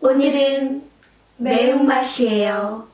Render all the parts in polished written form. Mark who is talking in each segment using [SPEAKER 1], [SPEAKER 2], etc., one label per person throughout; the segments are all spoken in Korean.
[SPEAKER 1] 오늘은 매운맛이에요.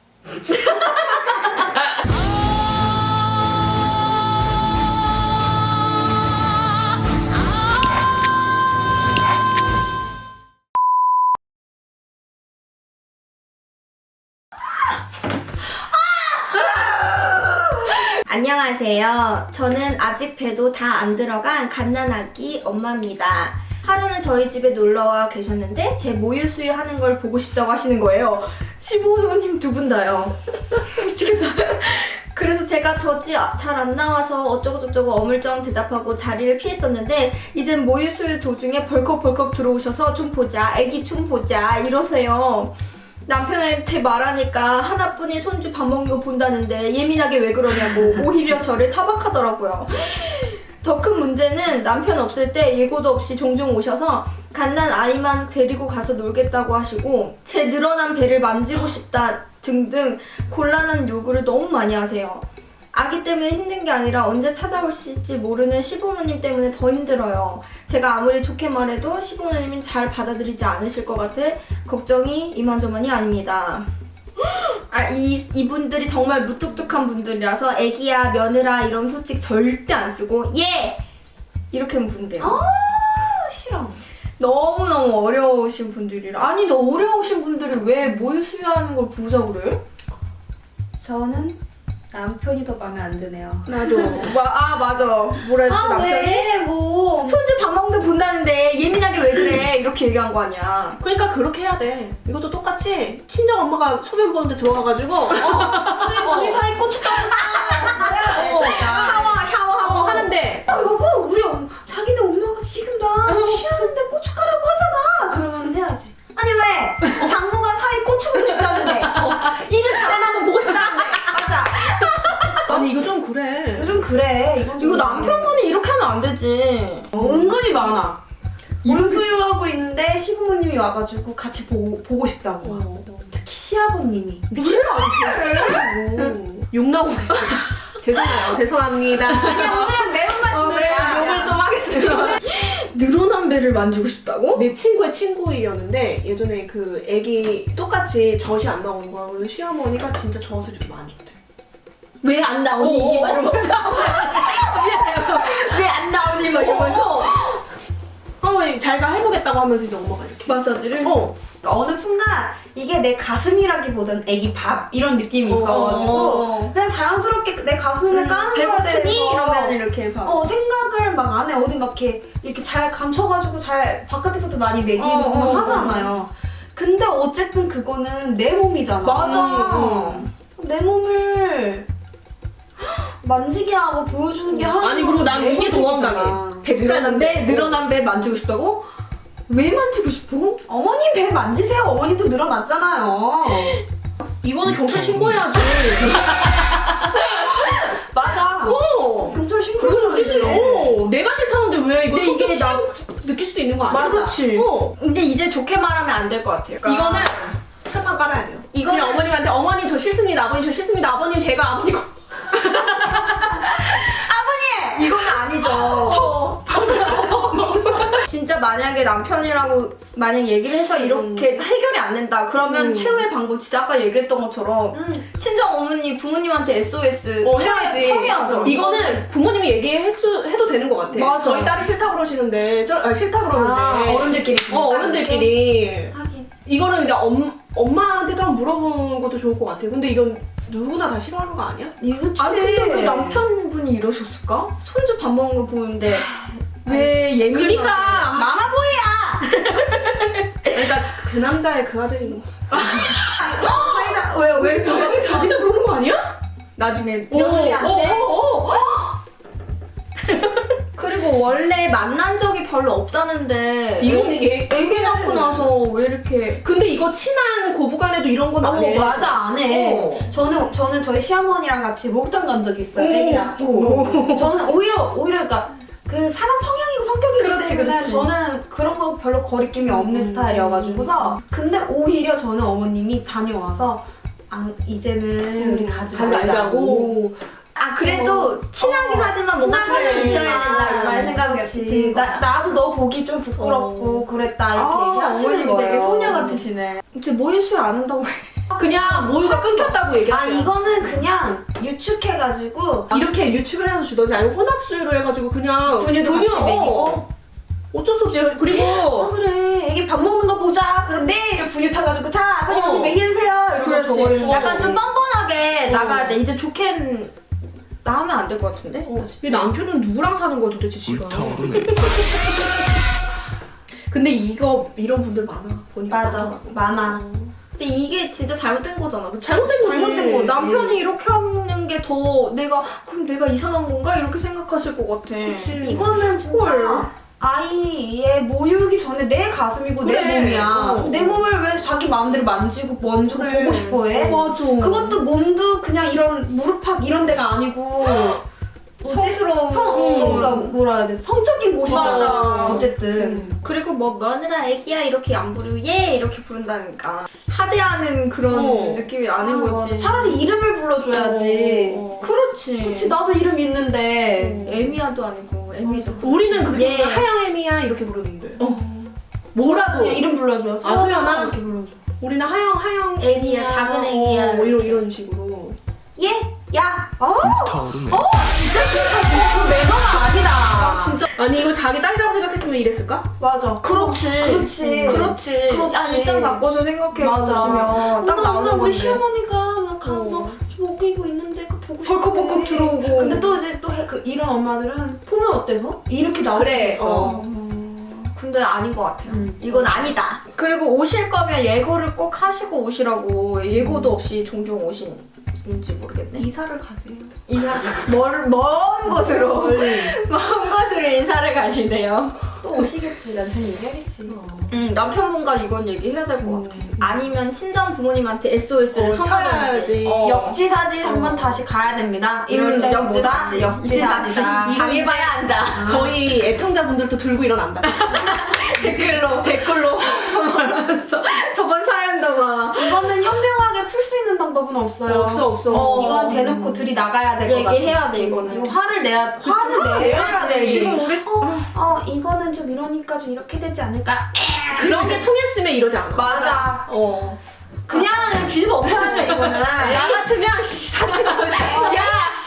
[SPEAKER 1] 안녕하세요. 저는 아직 배도 다 안 들어간 갓난아기 엄마입니다. 하루는 저희 집에 놀러와 계셨는데 제 모유수유 하는 걸 보고 싶다고 하시는 거예요. 시부모님 두 분 다요. 미치겠다. 그래서 제가 저지 잘 안 나와서 어쩌고저쩌고 어물쩡 대답하고 자리를 피했었는데 이젠 모유수유 도중에 벌컥벌컥 들어오셔서 좀 보자, 애기 좀 보자 이러세요. 남편한테 말하니까 하나뿐인 손주 밥 먹는 거 본다는데 예민하게 왜 그러냐고 오히려 저를 타박하더라고요. 더 큰 문제는 남편 없을 때 예고도 없이 종종 오셔서 갓난 아이만 데리고 가서 놀겠다고 하시고 제 늘어난 배를 만지고 싶다 등등 곤란한 요구를 너무 많이 하세요. 아기 때문에 힘든 게 아니라 언제 찾아오실지 모르는 시부모님 때문에 더 힘들어요. 제가 아무리 좋게 말해도 시부모님은 잘 받아들이지 않으실 것 같아 걱정이 이만저만이 아닙니다. 이분들이 정말 무뚝뚝한 분들이라서 애기야, 며느라 이런 소식 절대 안 쓰고 예! 이렇게 하면 분대요.
[SPEAKER 2] 싫어.
[SPEAKER 1] 너무너무 어려우신 분들이라. 아니, 너 어려우신 분들이 왜 모유수유하는 걸 보자 그래?
[SPEAKER 2] 저는 남편이 더 마음에 안 드네요.
[SPEAKER 1] 나도. 맞아. 뭐라 했지, 남편이?
[SPEAKER 2] 왜? 뭐.
[SPEAKER 1] 손주 밥 먹는 거 본다는데 예민하게 왜 그래? 이렇게 얘기한 거 아니야.
[SPEAKER 3] 그러니까 그렇게 해야 돼. 이것도 똑같이 친정 엄마가 소변 보는데 들어가가지고
[SPEAKER 2] 그리고 우리 사이 고춧가루 해야 돼, 진짜.
[SPEAKER 3] 샤워하고 하는데
[SPEAKER 2] 여보, 우리 자기네 엄마가 지금 나 쉬하는데 고춧가루라고 하잖아. 그러면 해야지. 아니 왜? 장모가 사이 고추 보고 싶다는데.
[SPEAKER 3] 일을 잘해나 한번 보고 싶다는데.
[SPEAKER 2] 맞아.
[SPEAKER 3] 아니 이거 좀 그래.
[SPEAKER 2] 요즘 그래.
[SPEAKER 1] 이거 남편분이 이렇게 하면 안 되지.
[SPEAKER 2] 은근히 많아. 모유수유하고 있는데 시부모님이 와가지고 같이 보고 싶다고. 특히 시아버님이.
[SPEAKER 3] 미친 거 아니야? 욕나고 있어. 죄송합니다.
[SPEAKER 2] 아니야, 오늘은 매운맛이니까
[SPEAKER 3] 욕을 좀 하겠습니다.
[SPEAKER 1] 늘어난 배를 만지고 싶다고?
[SPEAKER 3] 내 친구의 친구였는데 예전에 그 애기 똑같이 젖이 안 나오는 거야. 그래서 시어머니가 진짜 젖을 이렇게 많이 줬대.
[SPEAKER 1] 왜 안 나오니? 이 말을 먼저 왜 안 나오니? 막 이러면서
[SPEAKER 3] 어머니 잘가 해보겠다고 하면서 이제 엄마가 이렇게
[SPEAKER 1] 마사지를?
[SPEAKER 2] 어느 순간 이게 내 가슴이라기보다는 애기 밥 이런 느낌이 있어가지고 그냥 자연스럽게 내 가슴을 까는 거에
[SPEAKER 1] 배고프니?
[SPEAKER 2] 대해서
[SPEAKER 1] 이러면 이렇게 봐.
[SPEAKER 2] 생각을 막 안 해. 어디 막 이렇게 잘 감춰가지고 잘 바깥에서도 많이 먹이고 막 하잖아요. 근데 어쨌든 그거는 내 몸이잖아.
[SPEAKER 1] 맞아.
[SPEAKER 2] 내 몸을 만지게 하고 보여주는 게 하는
[SPEAKER 3] 아니 그리고 난 이게 더 황당해.
[SPEAKER 1] 늘어난 배 만지고 싶다고? 왜 만지고 싶어?
[SPEAKER 2] 어머님 배 만지세요. 어머님도 늘어났잖아요.
[SPEAKER 3] 이거는 경찰 신고해야지.
[SPEAKER 2] 맞아. 경찰
[SPEAKER 3] 그래서
[SPEAKER 2] 신고해야지.
[SPEAKER 3] 내가 싫다는데 왜 이거
[SPEAKER 1] 근데 이게
[SPEAKER 3] 느낄 수도 있는 거 아니야?
[SPEAKER 2] 맞아.
[SPEAKER 1] 그렇지. 근데 이제 좋게 말하면 안 될 것 같아요.
[SPEAKER 3] 이거는 철판 깔아야 돼요.
[SPEAKER 1] 이거는
[SPEAKER 3] 그냥 어머님한테 어머님 저 싫습니다. 아버님 저 싫습니다. 아버님 제가 아버님
[SPEAKER 1] 이건 아니죠. 진짜 만약에 남편이라고 만약 얘기를 해서 이렇게 해결이 안 된다 그러면 최후의 방법 진짜 아까 얘기했던 것처럼 친정 어머니 부모님한테 SOS
[SPEAKER 3] 해야지.
[SPEAKER 1] 청해야죠.
[SPEAKER 3] 이거는 부모님이 얘기해도 되는 것 같아.
[SPEAKER 1] 맞아.
[SPEAKER 3] 저희 딸이 싫다 그러시는데 싫다 그러는데
[SPEAKER 1] 어른들끼리
[SPEAKER 3] 어른들끼리
[SPEAKER 2] 하긴.
[SPEAKER 3] 이거는 이제 엄마한테도 한번 물어보는 것도 좋을 것 같아요. 근데 이건 누구나 다 싫어하는 거 아니야?
[SPEAKER 2] 이거지.
[SPEAKER 1] 아니 근데 왜 남편분이 이러셨을까? 손주 밥 먹는 거 보는데 왜 예민하게
[SPEAKER 3] 그러니까
[SPEAKER 2] 마마보이야.
[SPEAKER 3] 그러니까 그 남자의 그 아들이
[SPEAKER 1] 왜
[SPEAKER 3] 자기도 그러는 거 아니야?
[SPEAKER 1] 나중에
[SPEAKER 2] 며느리한테?
[SPEAKER 1] 그리고 원래 만난 적이 별로 없다는데
[SPEAKER 3] 이거는
[SPEAKER 1] 애기 낳고 나서 왜 이렇게
[SPEAKER 3] 근데 이거 친한 고부간에도 이런 건 안 해.
[SPEAKER 2] 맞아, 안 해. 저는 저희 시어머니랑 같이 목욕탕 간 적이 있어요. 애기 낳고. 저는 오히려 그러니까 그 사람 성향이고 성격이기
[SPEAKER 1] 그렇지,
[SPEAKER 2] 때문에
[SPEAKER 1] 그렇지.
[SPEAKER 2] 저는 그런 거 별로 거리낌이 없는 스타일이어가지고서 근데 오히려 저는 어머님이 다녀와서 이제는 우리 가지
[SPEAKER 3] 가지
[SPEAKER 2] 말자고.
[SPEAKER 3] 말자고.
[SPEAKER 1] 그래도 친하긴 하지만 뭔가 선이 있어야 된다 이런 생각이
[SPEAKER 2] 그치. 나도 너 보기 좀 부끄럽고 그랬다 이렇게 얘기하시는 거예요.
[SPEAKER 1] 되게 소녀 같으시네. 제 모유 수유 안 한다고 해.
[SPEAKER 3] 그냥 모유가 끊겼다고
[SPEAKER 2] 아
[SPEAKER 3] 얘기했어요.
[SPEAKER 2] 이거는 그냥 유축해가지고
[SPEAKER 3] 이렇게 유축을 해서 주던지 아니면 혼합수유로 해가지고 그냥
[SPEAKER 2] 분유도 같이 먹이고.
[SPEAKER 3] 어쩔 수 없지. 그리고
[SPEAKER 2] 그래 애기 밥 먹는 거 보자 그럼 내일 분유 타가지고 자 빨리 여기 먹이세요 이러고 줘버리는
[SPEAKER 1] 약간
[SPEAKER 2] 거지.
[SPEAKER 1] 좀 뻔뻔하게 나가야 돼. 이제 좋게 나오면 안 될 것 같은데?
[SPEAKER 3] 이 남편은 누구랑 사는 거야 도대체 지금? 근데 이런 분들 많아. 보니까
[SPEAKER 2] 맞아
[SPEAKER 3] 많더라고.
[SPEAKER 2] 많아.
[SPEAKER 1] 근데 이게 진짜 잘못된 거잖아. 그치?
[SPEAKER 3] 잘못된 거지.
[SPEAKER 2] 잘못된 거지.
[SPEAKER 1] 남편이 이렇게 하는 게 더 그럼 내가 이상한 건가? 이렇게 생각하실 것 같아.
[SPEAKER 3] 그치.
[SPEAKER 2] 이거는 진짜
[SPEAKER 1] 헐.
[SPEAKER 2] 아이의 모유기 전에 내 가슴이고
[SPEAKER 3] 그래.
[SPEAKER 2] 내 몸이야.
[SPEAKER 3] 어.
[SPEAKER 2] 내 몸을 왜 자기 마음대로 만지고 만지고
[SPEAKER 3] 그래.
[SPEAKER 2] 보고 싶어해?
[SPEAKER 3] 맞아.
[SPEAKER 2] 그것도 몸도 그냥 이런 무릎팍 이런 데가 아니고
[SPEAKER 1] 성스러운.
[SPEAKER 2] 그러니까 뭐라 해야 돼? 성적인 곳이잖아.
[SPEAKER 1] 맞아.
[SPEAKER 2] 어쨌든.
[SPEAKER 1] 그리고 뭐 며느라 애기야 이렇게 안 부르고 얘 이렇게 부른다니까 하대하는 그런 느낌이 아닌 거지.
[SPEAKER 2] 차라리 이름을 불러줘야지.
[SPEAKER 1] 그렇지.
[SPEAKER 2] 그치 나도 이름 있는데.
[SPEAKER 1] 에미야도 아니고 에미도.
[SPEAKER 3] 우리는 그렇게
[SPEAKER 1] 예.
[SPEAKER 3] 하영애미야 이렇게 부르는데. 뭐라도.
[SPEAKER 2] 그냥 이름 불러줘.
[SPEAKER 3] 아, 소연아?
[SPEAKER 2] 이렇게 불러줘.
[SPEAKER 3] 우리는 하영
[SPEAKER 1] 애기야, 작은 애기야.
[SPEAKER 3] 뭐 이런 식으로.
[SPEAKER 2] 얘, 야.
[SPEAKER 1] 진짜 싫다. 매너가 아니다.
[SPEAKER 3] 진짜. 아니 이거 자기 딸이라고 생각했으면 이랬을까?
[SPEAKER 2] 맞아.
[SPEAKER 1] 그렇지.
[SPEAKER 2] 그렇지.
[SPEAKER 1] 그렇지.
[SPEAKER 2] 그렇지.
[SPEAKER 1] 야, 입장 바꿔서 생각해
[SPEAKER 2] 맞아.
[SPEAKER 1] 보시면 딱 나오는
[SPEAKER 2] 우리
[SPEAKER 1] 건데.
[SPEAKER 2] 시어머니가 막 뭐 먹이고 있는데 그 보고 싶어.
[SPEAKER 1] 벌컥벌컥 들어오고.
[SPEAKER 2] 근데 또 이제 또 이런 엄마들은 보면 어때서? 이렇게 나올
[SPEAKER 3] 그래,
[SPEAKER 2] 수 있어.
[SPEAKER 1] 근데 아닌 것 같아요.
[SPEAKER 2] 음.
[SPEAKER 1] 이건 아니다. 그리고 오실 거면 예고를 꼭 하시고 오시라고 예고도 없이 종종 오시는지 모르겠네.
[SPEAKER 2] 이사를 가세요.
[SPEAKER 1] 이사 먼 곳으로 먼 곳으로 인사를 가시네요.
[SPEAKER 2] 또 오시겠지. 남편 얘기하겠지.
[SPEAKER 1] 남편분과 이건 얘기해야 될 것 같아. 아니면 친정 부모님한테 SOS를
[SPEAKER 3] 쳐야지.
[SPEAKER 1] 청하든지.
[SPEAKER 2] 역지사지 한번 다시 가야 됩니다. 이럴 때는
[SPEAKER 1] 역지사지.
[SPEAKER 2] 역지사지다.
[SPEAKER 1] 당해봐야 한다.
[SPEAKER 3] 저희 애청자분들도 들고 일어난다. 댓글로
[SPEAKER 1] 말하면서 저번 사연도 막
[SPEAKER 2] 이거는 현명하게 풀 수 있는 방법은 없어요.
[SPEAKER 3] 없어.
[SPEAKER 2] 이건 대놓고 둘이 나가야 될 것 같아.
[SPEAKER 1] 얘기해야 돼 이거는.
[SPEAKER 2] 이거 화를 내야
[SPEAKER 1] 내야 돼.
[SPEAKER 2] 지금 우리 이거는 좀 이러니까 좀 이렇게 되지 않을까?
[SPEAKER 3] 그런 게 통했으면 이러지 않아.
[SPEAKER 2] 맞아. 그냥 뒤집어 엎어야 돼 이거는.
[SPEAKER 3] 나 같으면 사지 마. 야,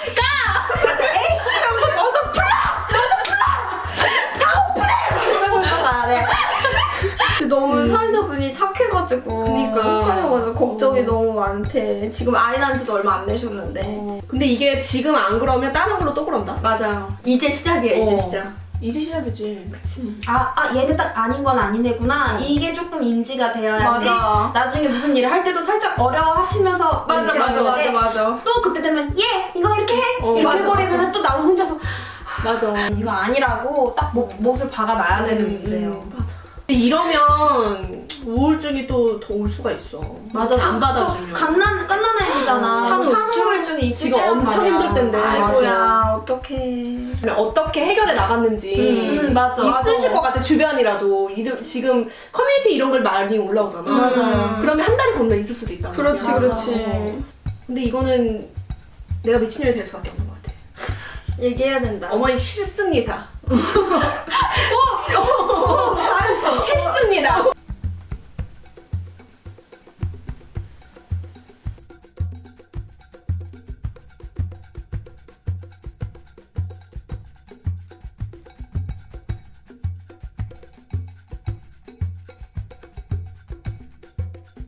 [SPEAKER 1] 너무 사연자분이 착해가지고
[SPEAKER 3] 그니까.
[SPEAKER 1] 착하셔가지고 걱정이 너무 많대. 지금 아이 낳은 지도 얼마 안 되셨는데.
[SPEAKER 3] 근데 이게 지금 안 그러면 다른 걸로 또 그런다.
[SPEAKER 1] 맞아요. 이제 시작이에요. 이제 시작.
[SPEAKER 3] 이제 시작이지.
[SPEAKER 2] 얘는 딱 아닌 건 아니네구나. 이게 조금 인지가 되어야지.
[SPEAKER 1] 맞아.
[SPEAKER 2] 나중에 무슨 일을 할 때도 살짝 어려워하시면서 이렇게 하는데
[SPEAKER 1] 맞아.
[SPEAKER 2] 또 그때 되면 이거 이렇게 해 이렇게
[SPEAKER 3] 맞아,
[SPEAKER 2] 해버리면 또 나도 혼자서
[SPEAKER 3] 맞아.
[SPEAKER 2] 이거 아니라고 딱 못을 박아놔야 되는 문제예요.
[SPEAKER 3] 근데 이러면 우울증이 또 더 올 수가 있어. 안 받아주면.
[SPEAKER 2] 갓난아기잖아. 산후우울증이 있을
[SPEAKER 3] 지금
[SPEAKER 2] 때란
[SPEAKER 3] 엄청
[SPEAKER 2] 말이야.
[SPEAKER 3] 힘들 텐데.
[SPEAKER 1] 아이고야 어떡해.
[SPEAKER 3] 어떻게 해결해 나갔는지
[SPEAKER 2] 맞아.
[SPEAKER 3] 있으실 것 같아. 주변이라도 지금 커뮤니티 이런 걸 많이 올라오잖아.
[SPEAKER 1] 맞아요.
[SPEAKER 3] 그러면 한 달이 건너 있을 수도 있다.
[SPEAKER 1] 그렇지.
[SPEAKER 3] 근데 이거는 내가 미친년이 될 수밖에 없는 것 같아.
[SPEAKER 1] 얘기해야 된다.
[SPEAKER 3] 어머니 싫습니다. 싫습니다.